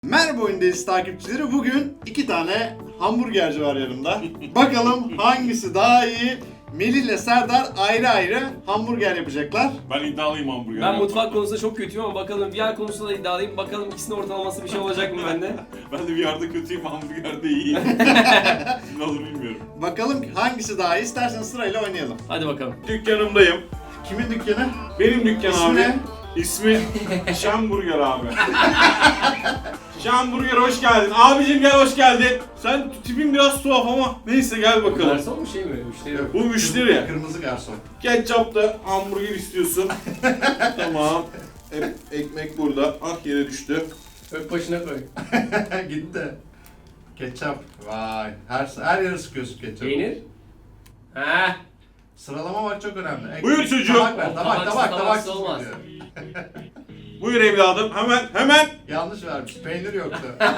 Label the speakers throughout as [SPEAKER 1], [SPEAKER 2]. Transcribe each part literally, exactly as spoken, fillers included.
[SPEAKER 1] Merhaba Oyundayız takipçileri. Bugün iki tane hamburgerci var yanımda. Bakalım hangisi daha iyi? Melih ile Serdar ayrı ayrı hamburger yapacaklar.
[SPEAKER 2] Ben iddialıyım hamburger.
[SPEAKER 3] Ben mutfak konusunda çok kötüyüm ama bakalım V R konusunda da iddialıyım. Bakalım ikisinin ortalaması bir şey olacak mı bende?
[SPEAKER 2] Ben de bir yerde kötüyüm, hamburgerde iyiyim. Ne olur bilmiyorum.
[SPEAKER 1] Bakalım hangisi daha iyi? İstersen sırayla oynayalım.
[SPEAKER 3] Hadi bakalım.
[SPEAKER 2] Dükkanımdayım.
[SPEAKER 1] Kimin dükkanı?
[SPEAKER 2] Benim dükkan
[SPEAKER 1] İsmi
[SPEAKER 2] abi.
[SPEAKER 1] ne?
[SPEAKER 2] İsmi Şamburger abi. Şamburger hoş geldin. Abicim gel hoş geldin. Sen tipin biraz tuhaf ama neyse gel bakalım.
[SPEAKER 3] Garson mu şey mi? Müşteri yok.
[SPEAKER 2] Bu müşteri ya.
[SPEAKER 1] Kırmızı garson.
[SPEAKER 2] Ketçapta hamburger istiyorsun. Tamam. E- ekmek burada. Ah yere düştü.
[SPEAKER 3] Ök başına koy.
[SPEAKER 1] Gitti. Ketçap. Vay. Her her yere sıkıyorsun ketçapı.
[SPEAKER 3] Peynir. Heh.
[SPEAKER 1] Sıralama bak çok önemli. Ekmek,
[SPEAKER 2] Buyur çocuğum.
[SPEAKER 1] Tabak ver. Tabak
[SPEAKER 3] Tabaksız,
[SPEAKER 1] tabak
[SPEAKER 3] tabaksız
[SPEAKER 1] tabak.
[SPEAKER 3] olmaz.
[SPEAKER 2] Buyur evladım. Hemen hemen.
[SPEAKER 1] Yanlış vermiş. Peynir yoktu.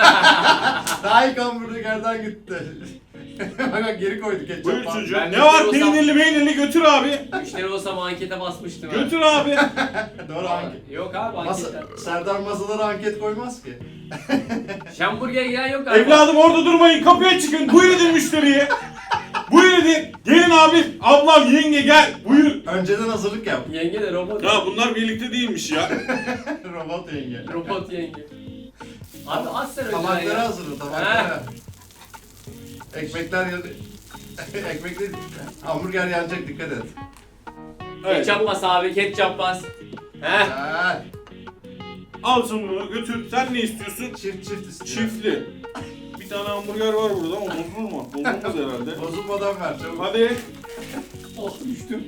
[SPEAKER 1] Daha ilk hamburgerden gitti. bak bak geri koydu ketçap.
[SPEAKER 2] Buyur
[SPEAKER 1] falan.
[SPEAKER 2] çocuğum.
[SPEAKER 3] Ben
[SPEAKER 2] Ne var
[SPEAKER 3] müşteri olsam-
[SPEAKER 2] peynirli peynirli götür abi.
[SPEAKER 3] Müşteri olsam ankete basmıştım. ha.
[SPEAKER 2] Götür abi.
[SPEAKER 1] Doğru anket.
[SPEAKER 3] Yok abi
[SPEAKER 1] Masa,
[SPEAKER 3] anketler.
[SPEAKER 1] Serdar masalara anket koymaz ki.
[SPEAKER 3] Şamburger gelen yok galiba.
[SPEAKER 2] Evladım orada durmayın. Kapıya çıkın. Buyur edin müşteriye. Buyur edin. Gelin abi. Ablam yenge gel. Buyur.
[SPEAKER 1] Önceden hazırlık yap.
[SPEAKER 3] Yenge de robot.
[SPEAKER 2] Ya bunlar birlikte değilmiş ya.
[SPEAKER 1] Robot yenge.
[SPEAKER 3] Robot yenge. Abi az sen önceden
[SPEAKER 1] Tabakları
[SPEAKER 3] ya.
[SPEAKER 1] hazırla tabakları. Ekmekler yanıyor. Ekmekler hamburger yanacak dikkat et.
[SPEAKER 2] Evet.
[SPEAKER 3] Ketçap bas abi, ketçap bas. Heh.
[SPEAKER 1] Ha,
[SPEAKER 2] Al sen bunu götür. Sen ne istiyorsun?
[SPEAKER 1] çift çift istiyor.
[SPEAKER 2] Çiftli. Bir tane hamburger var burada ama bozulur mu? Bozulmaz herhalde.
[SPEAKER 1] Bozulmadan ver çabuk.
[SPEAKER 2] Hadi.
[SPEAKER 3] Oh düştüm.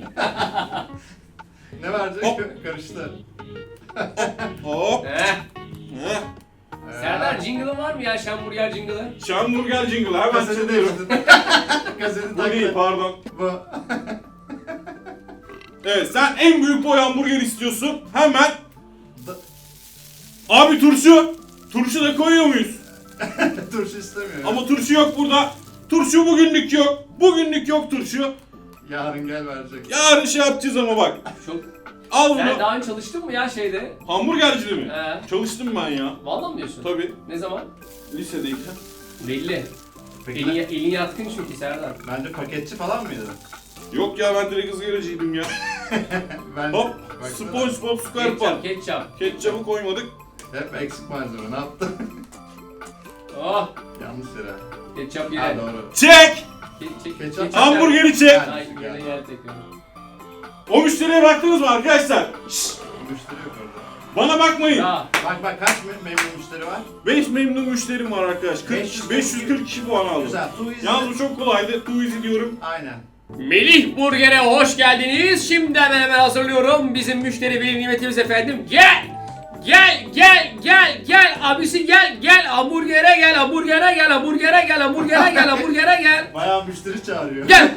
[SPEAKER 1] Ne verecek?
[SPEAKER 2] Hop.
[SPEAKER 1] Karıştı.
[SPEAKER 2] Hop.
[SPEAKER 3] Heh.
[SPEAKER 2] Heh.
[SPEAKER 3] Serdar jingle'ın var mı ya şamburger jingle'ı?
[SPEAKER 2] Şamburger jingle hemen
[SPEAKER 1] Kaseti
[SPEAKER 2] çalıyorum.
[SPEAKER 1] değiştirdin. Kaseti
[SPEAKER 2] Bu değil
[SPEAKER 1] taktı.
[SPEAKER 2] pardon.
[SPEAKER 1] Bu.
[SPEAKER 2] Evet sen en büyük boy hamburger istiyorsun. Hemen.
[SPEAKER 1] Da-
[SPEAKER 2] Abi turşu. Turşu da koyuyor muyuz?
[SPEAKER 1] Turşu istemiyor.
[SPEAKER 2] Ama turşu yok burada. Turşu bugünlük yok. Bugünlük yok turşu.
[SPEAKER 1] Yarın gel verecek.
[SPEAKER 2] Yarın şey yapacağız ama bak.
[SPEAKER 3] Çok.
[SPEAKER 2] Al bunu.
[SPEAKER 3] Sen daha önce çalıştın mı ya şeyde?
[SPEAKER 2] Hamburgercide mi?
[SPEAKER 3] He.
[SPEAKER 2] Çalıştım ben ya.
[SPEAKER 3] Vallahi mi diyorsun?
[SPEAKER 2] Tabii.
[SPEAKER 3] Ne zaman?
[SPEAKER 2] Lisedeyken.
[SPEAKER 3] Belli.
[SPEAKER 1] Peki
[SPEAKER 3] Elin, elin yatkın çünkü Serdar.
[SPEAKER 1] bence paketçi falan mıydı?
[SPEAKER 2] Yok ya ben direkt ızgaracıydım ya.
[SPEAKER 1] Ben
[SPEAKER 2] Hop.
[SPEAKER 1] Baksana.
[SPEAKER 2] SpongeBob SquarePants.
[SPEAKER 3] Ketçap, ketçap.
[SPEAKER 2] Ketçapı koymadık.
[SPEAKER 1] Hep eksik malzeme ne yaptın?
[SPEAKER 3] Oh,
[SPEAKER 1] Yanlış yere.
[SPEAKER 3] ketçap
[SPEAKER 1] Ha
[SPEAKER 3] yine.
[SPEAKER 1] doğru.
[SPEAKER 2] Çek.
[SPEAKER 3] Ke çek,
[SPEAKER 1] Ketçap.
[SPEAKER 3] ketçap
[SPEAKER 2] Hamburgeri çek.
[SPEAKER 3] Ay, yine yer tekrar.
[SPEAKER 2] O müşteriye baktınız mı arkadaşlar? Şşş.
[SPEAKER 1] Müşteri yok orada.
[SPEAKER 2] Bana bakmayın.
[SPEAKER 3] Ya,
[SPEAKER 1] Bak bak kaç mem- memnun müşteri var?
[SPEAKER 2] beş memnun müşterim var arkadaş.
[SPEAKER 1] beş
[SPEAKER 2] kırk,
[SPEAKER 1] yüz
[SPEAKER 2] beş yüz kırk kişi puan aldım.
[SPEAKER 1] Güzel. Too easy.
[SPEAKER 2] Yalnız bu çok kolaydı. Too easy diyorum.
[SPEAKER 1] Aynen.
[SPEAKER 3] Melih Burger'e hoş geldiniz. Şimdi hemen hemen hazırlıyorum. Bizim müşteri veli nimetimiz efendim. Gel! Gel, gel, gel, gel. Abisi gel, gel. Hamburger'e gel, hamburger'e gel, hamburger'e gel, hamburger'e gel, hamburger'e gel.
[SPEAKER 1] Bayağı müşteri çağırıyor.
[SPEAKER 3] Gel.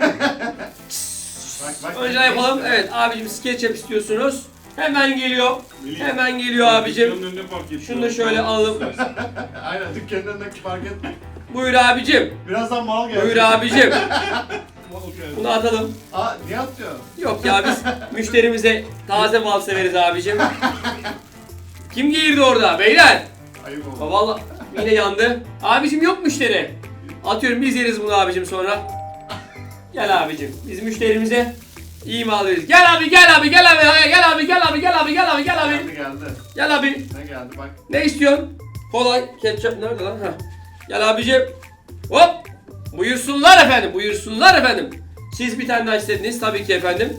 [SPEAKER 1] Bak bak.
[SPEAKER 3] Önceden yapalım. Evet abicim SketchUp istiyorsunuz. Hemen geliyor.
[SPEAKER 2] Melih,
[SPEAKER 3] Hemen geliyor abicim.
[SPEAKER 2] dükkanın önüne park et.
[SPEAKER 3] Şunu da şöyle alalım.
[SPEAKER 1] Aynen dükkanın önündeki fark etme.
[SPEAKER 3] Buyur abicim.
[SPEAKER 1] Birazdan mal gelecek.
[SPEAKER 3] Buyur abicim. Bunu atalım.
[SPEAKER 1] Aa niye atıyor?
[SPEAKER 3] Yok ya biz müşterimize taze mal severiz abicim. Kim girdi orada beyler?
[SPEAKER 1] Ayıp
[SPEAKER 3] Ha,
[SPEAKER 1] oldu.
[SPEAKER 3] vallahi yine yandı. Abicim yok müşteri. Atıyorum biz yeriz bunu abicim sonra. Gel abicim biz müşterimize iyi mal veririz. Gel abi gel abi gel abi gel abi gel abi gel abi gel abi gel abi.
[SPEAKER 1] Geldi geldi.
[SPEAKER 3] Gel abi.
[SPEAKER 1] Ne geldi bak.
[SPEAKER 3] Ne istiyorsun? Kolay. Ketçap nerede lan? Heh. Gel abicim. Hop. Buyursunlar efendim. Buyursunlar efendim. Siz bir tane daha istediniz tabii ki efendim.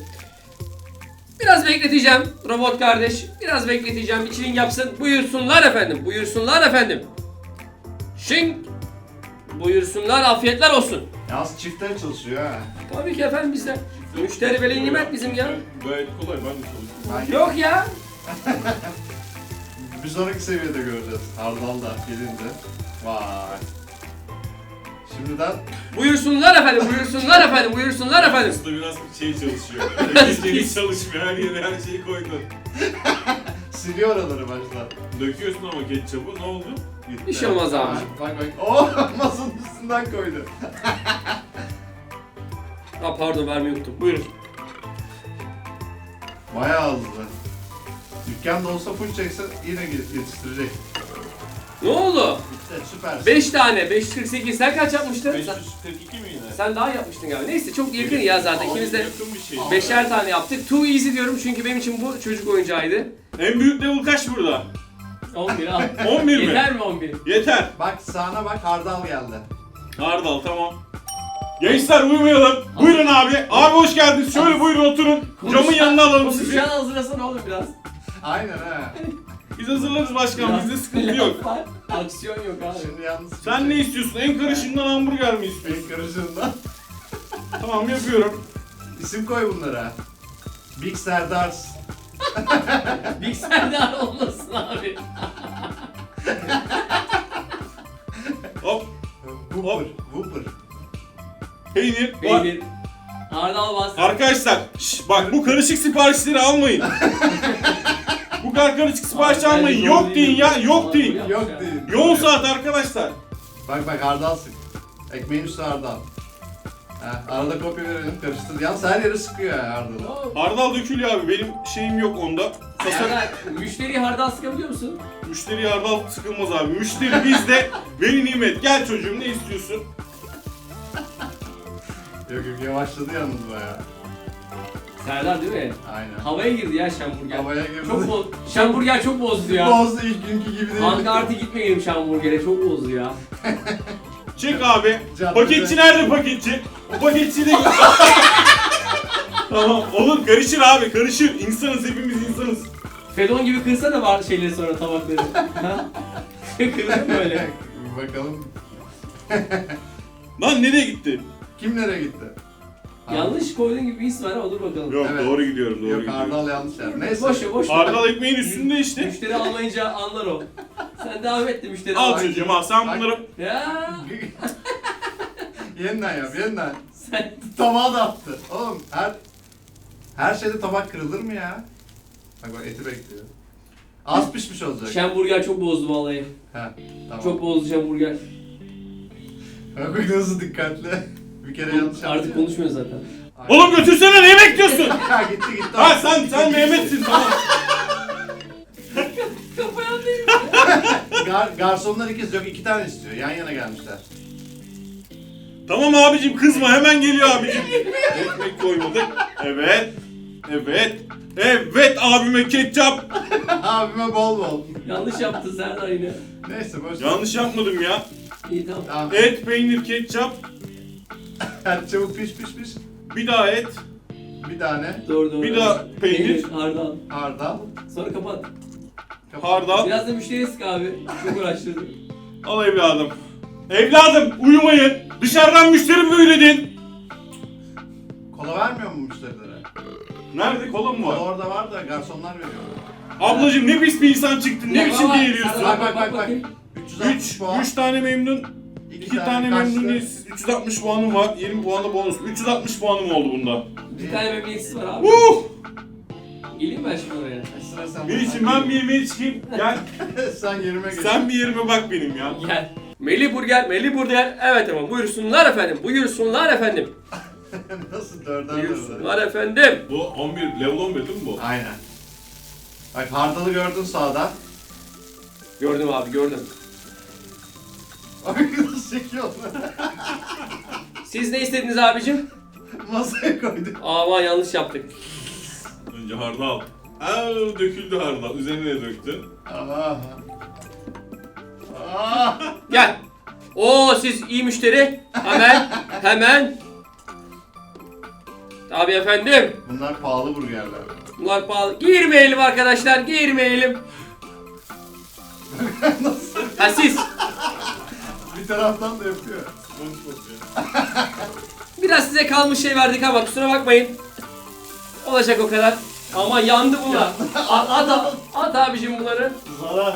[SPEAKER 3] Biraz bekleteceğim robot kardeş. Biraz bekleteceğim. Bir çiling yapsın. Buyursunlar efendim. Buyursunlar efendim. Şing. Buyursunlar. Afiyetler olsun.
[SPEAKER 1] Yalnız çiftler çalışıyor ha.
[SPEAKER 3] Tabii ki efendim bizde. Müşteri veli nimet bizim ya.
[SPEAKER 2] Gayet kolay ben de çalıştım.
[SPEAKER 1] Ben
[SPEAKER 3] Yok ya.
[SPEAKER 1] bir sonraki seviyede göreceğiz. Hardal da gelince. Vay. Şimdiden
[SPEAKER 3] Buyursunlar efendim. Buyursunlar efendim. Buyursunlar efendim.
[SPEAKER 2] Usta biraz şey çalışıyor. Herkes hiç çalışmıyor. Her yere her şeyi koydun.
[SPEAKER 1] siliyor oraları baştan.
[SPEAKER 2] Döküyorsun ama ketçapı ne oldu?
[SPEAKER 1] Gitti.
[SPEAKER 3] Bir şey olmaz abi.
[SPEAKER 1] Ha, Bak bak. Oh masanın üstünden koydu.
[SPEAKER 3] Ha pardon vermeyi unuttum. Buyurun.
[SPEAKER 1] Bayağı hızlı. Dükkanda olsa full çekse yine yetiştirecek.
[SPEAKER 3] Ne oldu?
[SPEAKER 1] Evet, süpersin.
[SPEAKER 3] beş tane. beş yüz kırk sekiz. Sen kaç yapmıştın?
[SPEAKER 1] beş
[SPEAKER 3] Sen,
[SPEAKER 1] yüz kırk iki miydi?
[SPEAKER 3] sen daha yapmıştın galiba. Neyse çok yakın ya zaten.
[SPEAKER 1] Ama
[SPEAKER 3] İkimiz de
[SPEAKER 1] yakın bir şey.
[SPEAKER 3] beşer tane yaptık. Too easy diyorum çünkü benim için bu çocuk oyuncağıydı.
[SPEAKER 2] En büyük level kaç burada?
[SPEAKER 3] on bir al.
[SPEAKER 2] on bir mi?
[SPEAKER 3] Yeter mi on bir?
[SPEAKER 2] Yeter.
[SPEAKER 1] Bak sağına bak, hardal geldi.
[SPEAKER 2] Hardal tamam. Gençler uyumayalım. Buyurun abi. Abi hoş geldiniz. Şöyle buyurun oturun. Camın yanına alalım sizi.
[SPEAKER 3] Konuşan hazırlasana oğlum biraz.
[SPEAKER 1] Aynen ha.
[SPEAKER 2] Biz hazırlarız başkan.
[SPEAKER 3] Biraz
[SPEAKER 2] Bizde sıkıntı yok.
[SPEAKER 3] laf var, aksiyon yok abi.
[SPEAKER 1] Şimdi yalnız...
[SPEAKER 2] Sen ne istiyorsun? En karışığından hamburger mi istiyorsun?
[SPEAKER 1] Benim karışığından.
[SPEAKER 2] Tamam yapıyorum.
[SPEAKER 1] İsim koy bunlara. Big Serdars.
[SPEAKER 3] Big Serdar olmasın abi.
[SPEAKER 2] Hop.
[SPEAKER 1] Whooper. Whooper.
[SPEAKER 2] Peynir. Var.
[SPEAKER 3] Peynir. Hardal bas.
[SPEAKER 2] Arkadaşlar şş, bak bu karışık siparişleri almayın. Bu kadar karışık sipariş almayın. Yok deyin ya. Yok deyin.
[SPEAKER 1] Yok değil.
[SPEAKER 2] Yoğun saat arkadaşlar.
[SPEAKER 1] Bak bak hardal sık. Ekmeğin üstü hardal. Ha, arada kopya verelim, karıştır. Yalnız her yeri sıkıyor ya hardalı.
[SPEAKER 3] Oo.
[SPEAKER 2] Hardal dökülüyor abi. Benim şeyim yok onda. Tasarım.
[SPEAKER 3] Serdar, müşteriye hardal sıkabiliyor musun?
[SPEAKER 2] Müşteri hardal sıkılmaz abi. Müşteri bizde. Veli nimet. Gel çocuğum ne istiyorsun?
[SPEAKER 1] Yok yok yavaşladı yalnız bayağı.
[SPEAKER 3] Serdar değil mi?
[SPEAKER 1] Aynen.
[SPEAKER 3] Havaya girdi ya Şamburger.
[SPEAKER 1] Havaya girdi.
[SPEAKER 3] Çok boz. Şamburger çok bozdu ya.
[SPEAKER 1] Bozdu ilk günkü gibi değil.
[SPEAKER 3] Ankart'a gitmeyelim Şamburger'e çok bozdu ya.
[SPEAKER 2] Çek abi.
[SPEAKER 1] Caddede.
[SPEAKER 2] Paketçi nerede paketçi? O paketçi de... Tamam olur karışır abi karışır. İnsanız hepimiz insanız.
[SPEAKER 3] Fedon gibi kırsana var şeyleri sonra tabakları. Ha? Kırılır mı öyle?
[SPEAKER 1] Bir bakalım.
[SPEAKER 2] Lan nereye gitti?
[SPEAKER 1] Kim nereye gitti?
[SPEAKER 3] Yanlış koyduğun gibi bir his var ama dur bakalım.
[SPEAKER 2] Yok
[SPEAKER 1] Evet.
[SPEAKER 2] doğru gidiyorum doğru
[SPEAKER 1] Yok
[SPEAKER 2] gidiyorum.
[SPEAKER 1] hardal yanlış yer. Neyse.
[SPEAKER 3] Boş ver boş ver.
[SPEAKER 2] Hardal ekmeğin üstünde işte.
[SPEAKER 3] Müşteri almayınca anlar o. Sen devam et de müşteri
[SPEAKER 2] Al
[SPEAKER 3] almayınca.
[SPEAKER 2] çocuğum al sen bunları...
[SPEAKER 3] Ya
[SPEAKER 1] Yeniden yap yeniden.
[SPEAKER 3] sen
[SPEAKER 1] Tabağı da attı. Oğlum her her şeyde tabak kırılır mı ya? Bak bak eti bekliyor. Az pişmiş olacak.
[SPEAKER 3] Şamburger çok bozdu vallahi.
[SPEAKER 1] Ha, tamam.
[SPEAKER 3] Çok bozdu Şamburger.
[SPEAKER 1] Bak bak nasıl dikkatli. Bir kere yanlış yaptı.
[SPEAKER 3] Artık konuşmuyor zaten.
[SPEAKER 1] Aynen.
[SPEAKER 2] Oğlum götürsene ne bekliyorsun?
[SPEAKER 1] Ha gitti gitti.
[SPEAKER 2] Ha sen sen Mehmet'sin tamam.
[SPEAKER 3] Kapayan değil.
[SPEAKER 1] Gar garsonlar ikiz yok iki tane istiyor. Yan yana gelmişler.
[SPEAKER 2] Tamam abicim kızma hemen geliyor abicim. Ekmek koymadık. Evet. Evet. Evet abime ketçap.
[SPEAKER 1] Abime bol bol.
[SPEAKER 3] Yanlış yaptın Serdar yine.
[SPEAKER 1] Neyse boş ver.
[SPEAKER 2] Yanlış yapmadım ya.
[SPEAKER 3] İyi tamam.
[SPEAKER 1] Tamam.
[SPEAKER 2] Et, peynir, ketçap.
[SPEAKER 1] Hadi çabuk piş piş piş.
[SPEAKER 2] Bir daha et.
[SPEAKER 1] Bir tane
[SPEAKER 3] Doğru doğru.
[SPEAKER 2] Bir daha peynir.
[SPEAKER 3] Hardal.
[SPEAKER 1] hardal.
[SPEAKER 3] Sonra kapat.
[SPEAKER 2] Hardal.
[SPEAKER 3] Biraz da müşteriye sık abi. Çok uğraştırdı.
[SPEAKER 2] Al evladım. Evladım uyumayın. Dışarıdan müşteri mi üyledin?
[SPEAKER 1] Kola vermiyor mu müşterilere?
[SPEAKER 2] Nerede kola mı
[SPEAKER 1] Kola
[SPEAKER 2] var?
[SPEAKER 1] orada var da garsonlar veriyor.
[SPEAKER 2] Ablacım ne pis bir insan çıktın. Ne
[SPEAKER 3] Bak,
[SPEAKER 2] biçim
[SPEAKER 3] bak,
[SPEAKER 2] giyiliyorsun?
[SPEAKER 1] Bak
[SPEAKER 3] bak,
[SPEAKER 1] bak bak bak.
[SPEAKER 3] bakayım.
[SPEAKER 1] üç yüz altmış
[SPEAKER 2] 3
[SPEAKER 1] puan.
[SPEAKER 2] üç tane memnun. iki tane
[SPEAKER 1] kaçtı?
[SPEAKER 2] memnuniyetsiz. üç yüz altmış puanım var. yirmi puan da bonus. üç yüz altmış puanım oldu bunda.
[SPEAKER 3] Bir tane memnuniyetsiz var abi.
[SPEAKER 2] Uh!
[SPEAKER 3] Geleyim ben şimdi oraya.
[SPEAKER 1] Sıra sen.
[SPEAKER 2] Melih'cim ben bir yemeğe çıkayım. Gel.
[SPEAKER 1] Sen yerime geç.
[SPEAKER 2] Sen bir yerime bak benim ya.
[SPEAKER 3] Gel. Melih Burger, Melih Burger. Evet efendim buyursunlar efendim. Buyursunlar efendim.
[SPEAKER 1] Nasıl dörder dörder?
[SPEAKER 3] Buyursunlar efendim.
[SPEAKER 2] Bu on bir, level on bir değil mi bu?
[SPEAKER 1] Aynen. Bak hardalı gördün sağda.
[SPEAKER 3] Gördüm abi gördüm.
[SPEAKER 1] Abi nasıl çekiyor onu?
[SPEAKER 3] Siz ne istediniz abicim?
[SPEAKER 1] Masaya koyduk.
[SPEAKER 3] Aman yanlış yaptık.
[SPEAKER 2] Önce hardal. Aa, döküldü hardal. Üzerine de döktü.
[SPEAKER 1] Aha. Ah.
[SPEAKER 3] Gel. Oo siz iyi müşteri. Hemen hemen. Tabii efendim.
[SPEAKER 1] Bunlar pahalı burgerler.
[SPEAKER 3] Bunlar pahalı. Girmeyelim arkadaşlar girmeyelim.
[SPEAKER 1] Nasıl?
[SPEAKER 3] Ha siz.
[SPEAKER 1] Bir taraftan da yapıyor.
[SPEAKER 3] Biraz size kalmış şey verdik ama kusura bakmayın. Olacak o kadar. Ama yandı bunlar. At, at, at, at abicim bunları.
[SPEAKER 1] Zara.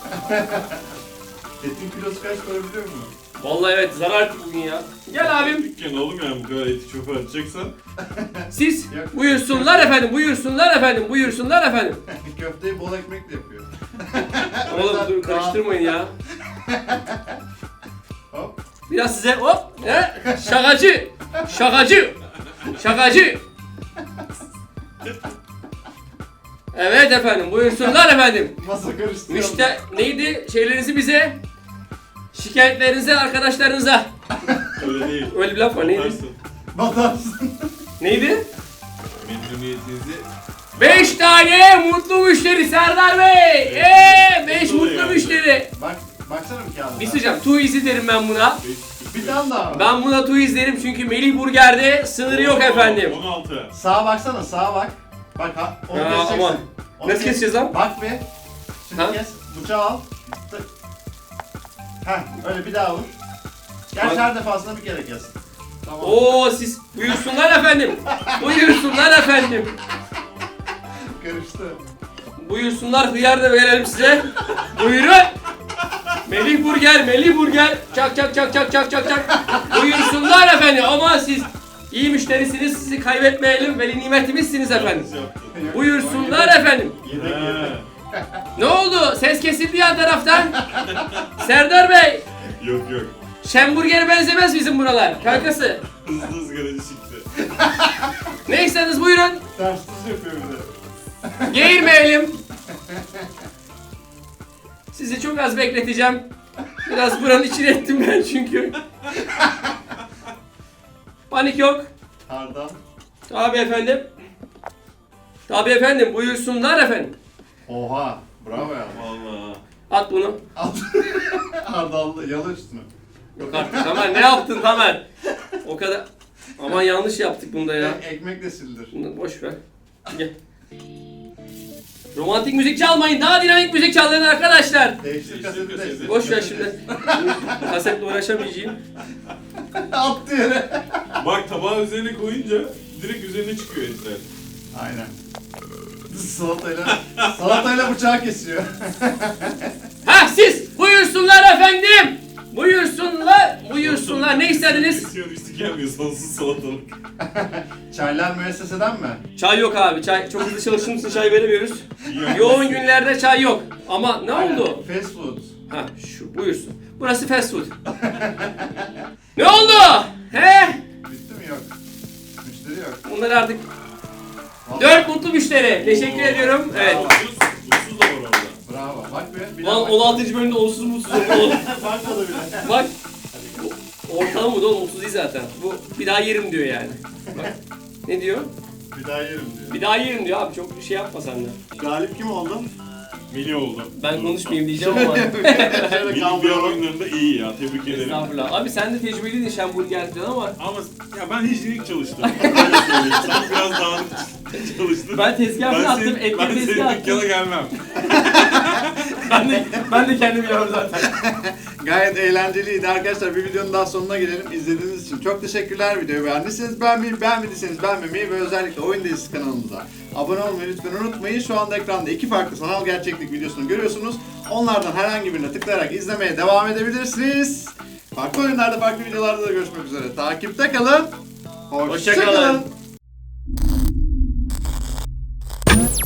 [SPEAKER 1] Etin kilosu kaç para biliyor musun?
[SPEAKER 3] Vallahi evet zarar bugün ya. Gel abim.
[SPEAKER 2] Dükkan oğlum yani bu kadar eti çöpe atacaksan.
[SPEAKER 3] Siz
[SPEAKER 1] Yok.
[SPEAKER 3] buyursunlar efendim, buyursunlar efendim, buyursunlar efendim.
[SPEAKER 1] Köfteyi bol ekmekle yapıyor.
[SPEAKER 3] Oğlum dur karıştırmayın ya.
[SPEAKER 1] Hop.
[SPEAKER 3] Biraz size hop. He? Şakacı. Şakacı. Şakacı. Evet efendim, buyursunlar efendim.
[SPEAKER 1] Masa karıştırıyor.
[SPEAKER 3] Müşte neydi? Şeylerinizi bize, şikayetlerinizi arkadaşlarınıza.
[SPEAKER 2] Öyle değil.
[SPEAKER 3] Öyle bir laf var, neydi?
[SPEAKER 2] Batarsın.
[SPEAKER 1] Batarsın.
[SPEAKER 3] Neydi?
[SPEAKER 2] Memnuniyetinizi
[SPEAKER 3] Beş tane mutlu müşteri Serdar Bey. Eee beş
[SPEAKER 2] Mutlu
[SPEAKER 3] mutlu
[SPEAKER 2] yani.
[SPEAKER 3] müşteri.
[SPEAKER 1] Bak, baksana bir kağıda.
[SPEAKER 3] Bir şey söyleyeceğim, too easy derim ben buna.
[SPEAKER 1] Bir tane daha var.
[SPEAKER 3] Ben buna too easy derim çünkü Melih Burger'de sınırı yok efendim.
[SPEAKER 2] on altı.
[SPEAKER 1] Sağa baksana, sağa bak. Bak ha, onu
[SPEAKER 3] Ya,
[SPEAKER 1] keseceksin.
[SPEAKER 3] aman.
[SPEAKER 1] Onu
[SPEAKER 3] Nasıl
[SPEAKER 1] kes.
[SPEAKER 3] keseceğiz lan?
[SPEAKER 1] Bak bir. Şimdi
[SPEAKER 3] Ha?
[SPEAKER 1] kes, bıçağı al. Tık. Heh, öyle bir daha vur.
[SPEAKER 3] Bak.
[SPEAKER 1] Gerçi her defasında bir kere kes. Tamam.
[SPEAKER 3] Oo siz buyursunlar efendim. Buyursunlar efendim.
[SPEAKER 1] Karıştı.
[SPEAKER 3] Buyursunlar, hıyar da verelim size. Buyurun. Melih Burger, Melih Burger. Çak çak çak çak çak çak çak. Buyursunlar efendim ama siz iyi müşterisiniz, sizi kaybetmeyelim. Veli nimetimizsiniz efendim. Buyursunlar efendim.
[SPEAKER 1] Yedek
[SPEAKER 2] He.
[SPEAKER 1] yedek.
[SPEAKER 3] Ne oldu? Ses kesildi yan taraftan. Serdar Bey,
[SPEAKER 2] Yok yok.
[SPEAKER 3] Şemburger'e benzemez bizim buralar. Kankası.
[SPEAKER 2] Hızlı ızgaracı çıktı.
[SPEAKER 3] Ne isterseniz buyurun.
[SPEAKER 1] Ters tuz yapıyor bir de.
[SPEAKER 3] Geğirmeyelim. Sizi çok az bekleteceğim. Biraz buranın içine ettim ben çünkü. Panik yok.
[SPEAKER 1] Hardal.
[SPEAKER 3] Tabi efendim. Tabi efendim, buyursunlar efendim.
[SPEAKER 1] Oha. Bravo ya.
[SPEAKER 2] Vallahi.
[SPEAKER 3] At bunu.
[SPEAKER 1] Al. Hardal yalı üstünü.
[SPEAKER 3] Yok artık Tamer, ne yaptın Tamer? O kadar. Aman yanlış yaptık bunda ya.
[SPEAKER 1] E, ekmek de sildir.
[SPEAKER 3] Bunu boş ver. Gel. Romantik müzik çalmayın. Daha dinamik müzik çalın arkadaşlar.
[SPEAKER 1] Değiştir
[SPEAKER 2] Değiştir
[SPEAKER 1] kaseti
[SPEAKER 2] kaseti.
[SPEAKER 1] değiştir.
[SPEAKER 3] Boş ver şimdi. Kasetle uğraşamayacağım.
[SPEAKER 1] Attı yere.
[SPEAKER 2] Bak tabağı üzerine koyunca direkt üzerine çıkıyor etler.
[SPEAKER 1] Aynen. Salatayla, salatayla bıçağı kesiyor.
[SPEAKER 3] Ha siz buyursunlar efendim. Buyursunlar. Buyursunlar. Ne istediniz?
[SPEAKER 2] Kesiyor üstü gelmiyor sonsuz salatalık.
[SPEAKER 1] Çaylar müesseseden mi?
[SPEAKER 3] Çay yok abi. Çay çok hızlı çalıştığımız için çay veremiyoruz.
[SPEAKER 2] İyi
[SPEAKER 3] Yoğun günlerde çay yok. Ama ne
[SPEAKER 1] Aynen.
[SPEAKER 3] oldu?
[SPEAKER 1] Fast food.
[SPEAKER 3] Ha şu buyursun. Burası fast food. Ne oldu? He?
[SPEAKER 1] Bitti mi? Yok. Müşteri yok.
[SPEAKER 3] Bunlar artık
[SPEAKER 1] Vallahi-
[SPEAKER 3] dört mutlu müşteri. Teşekkür ediyorum. Evet.
[SPEAKER 2] Mutsuz, mutsuz da var orada.
[SPEAKER 1] Bravo. Bak bir. bir
[SPEAKER 3] Lan
[SPEAKER 1] daha bak.
[SPEAKER 3] on altıncı bölümde onsuz mutsuz oldu.
[SPEAKER 1] Bakmadı bile.
[SPEAKER 3] Bak. Ortalama bu da onsuz değil zaten. Bu bir daha yerim diyor yani. Bak. Ne diyor?
[SPEAKER 1] Bir daha yerim diyor.
[SPEAKER 3] Bir daha yerim diyor abi. Çok şey yapma sen de.
[SPEAKER 1] Galip kim oldu?
[SPEAKER 2] Mili oldu.
[SPEAKER 3] Ben konuşmayayım diyeceğim ama.
[SPEAKER 1] Şöyle
[SPEAKER 2] Mili bir
[SPEAKER 1] kaldıralım.
[SPEAKER 2] oyunlarında iyi ya, tebrik ederim.
[SPEAKER 3] Estağfurullah. Abi sen de tecrübeliydin Şemburger'den ama
[SPEAKER 2] Ama ya ben hijyenik çalıştım. Öyle söyleyeyim. Sen biraz dağınık çalıştın.
[SPEAKER 3] ben tezgah
[SPEAKER 2] ben
[SPEAKER 3] attım,
[SPEAKER 2] senin,
[SPEAKER 3] etli
[SPEAKER 2] ben
[SPEAKER 3] tezgah
[SPEAKER 2] senin
[SPEAKER 3] attım.
[SPEAKER 2] dükkana gelmem.
[SPEAKER 3] Ben de, ben de kendim yiyorum zaten.
[SPEAKER 1] Gayet eğlenceliydi arkadaşlar. Bir videonun daha sonuna gelelim. İzlediğiniz için çok teşekkürler. Videoyu beğendiyseniz beğenmeyi, beğenmediyseniz beğenmemeyi ve özellikle Oyun Dizisi kanalımıza abone olmayı lütfen unutmayın. Şu anda ekranda iki farklı sanal gerçeklik videosunu görüyorsunuz. Onlardan herhangi birine tıklayarak izlemeye devam edebilirsiniz. Farklı oyunlarda, farklı videolarda da görüşmek üzere. Takipte kalın. Hoşça
[SPEAKER 3] Hoşça kalın.
[SPEAKER 1] kalın.